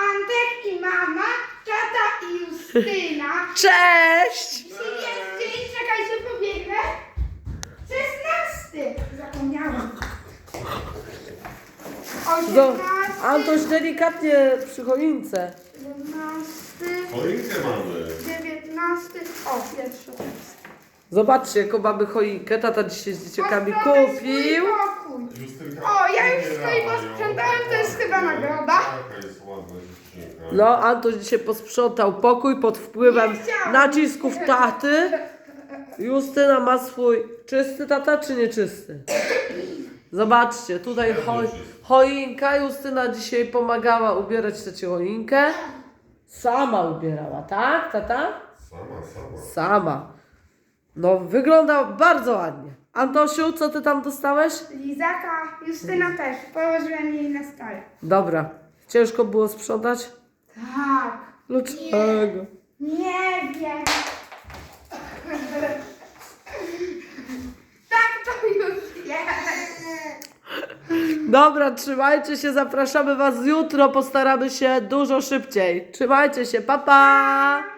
Antek i mama, tata i Justyna. Cześć! Dzisiaj jest dzień, czekajcie, pobiegnę. 16. Zapomniałam. 18. Antoś delikatnie przy choince. 17. Choinkę mamy. 19. O, pierwszy. Zobaczcie, jaką mamy choinkę. Tata dzisiaj z dzieciakami Posprzątaj kupił. swój pokój. Justynka, O, ja już nie swoje mają. posprzątałem, to jest chyba nagroda. Taka jest ładna dziewczynka. No, Antoś dzisiaj posprzątał pokój pod wpływem Nie chciałam. nacisków taty. Justyna ma swój czysty tata, czy nieczysty? Zobaczcie, tutaj choinka. Justyna dzisiaj pomagała ubierać tę choinkę. Sama ubierała, tak, tata? Sama. Sama. No, wygląda bardzo ładnie. Antosiu, co ty tam dostałeś? Lizaka, Justyna też. Położyłem jej na stole. Dobra. Ciężko było sprzątać? Tak. Dlaczego? Nie wiem. Tak to już jest. Dobra, trzymajcie się, zapraszamy was jutro, postaramy się dużo szybciej. Trzymajcie się, pa pa!